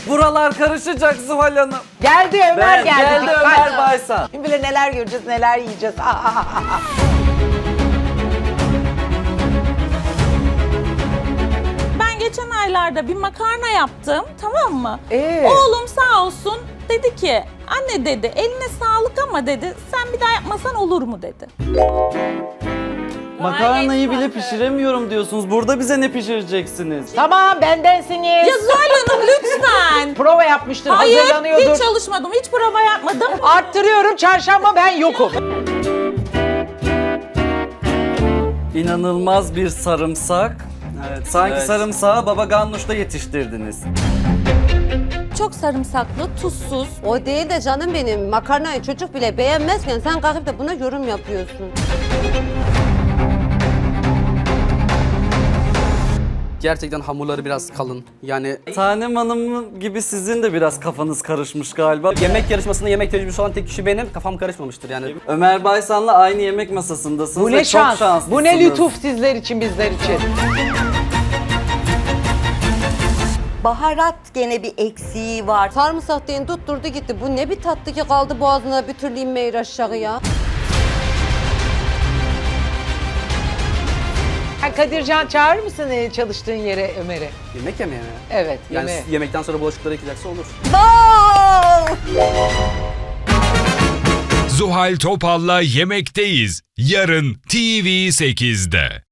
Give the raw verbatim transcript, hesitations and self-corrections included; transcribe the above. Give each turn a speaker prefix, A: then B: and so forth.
A: Buralar karışacak Zuhal Hanım.
B: Geldi Ömer
A: Ben,
B: geldi.
A: geldi
B: Dikkat.
A: Ömer Baysan.
B: Kim bilir neler göreceğiz, neler yiyeceğiz. Aa, aa, aa, aa.
C: Ben geçen aylarda bir makarna yaptım, tamam mı?
B: Ee?
C: Oğlum sağ olsun dedi ki, anne dedi, eline sağlık ama dedi, sen bir daha yapmasan olur mu dedi.
A: Makarnayı bile pişiremiyorum diyorsunuz. Burada bize ne pişireceksiniz?
B: Tamam bendensiniz.
C: Ya Zuhal Hanım lütfen.
B: Prova yapmıştır,
C: Hayır,
B: hazırlanıyordur.
C: hiç çalışmadım, hiç prova yapmadım.
B: Arttırıyorum, çarşamba ben yokum.
A: İnanılmaz bir sarımsak. Evet, sanki
D: Evet.
A: sarımsağı Baba Ganoush'ta yetiştirdiniz.
C: Çok sarımsaklı, tuzsuz.
E: O değil de canım benim, makarnayı çocuk bile beğenmezken sen kalkıp da buna yorum yapıyorsun.
D: Gerçekten hamurları biraz kalın. Yani
A: Tanem Hanım gibi sizin de biraz kafanız karışmış galiba.
D: yemek yarışmasında yemek tecrübesi olan tek kişi benim. Kafam karışmamıştır yani.
A: Ömer Baysan'la aynı yemek masasındasınız
B: Bu
A: ve
B: ne
A: çok
B: şans,
A: şanslısınız.
B: bu ne lütuf sizler için, bizler için.
E: Baharat gene bir eksiği var. Sarımsak deyin tutturdu gitti. Bu ne bir tatlı ki kaldı boğazına bir türlü inmeyi aşağıya.
B: Ha, Kadircan çağırır mısın e, çalıştığın yere Ömer'i?
D: Yemek yemeye mi?
B: Evet,
D: Yani
B: yemeğe.
D: yemekten sonra bulaşıkları yıkayacaksa olur.
F: Zuhal Topal'la Yemekteyiz. Yarın T V sekizde.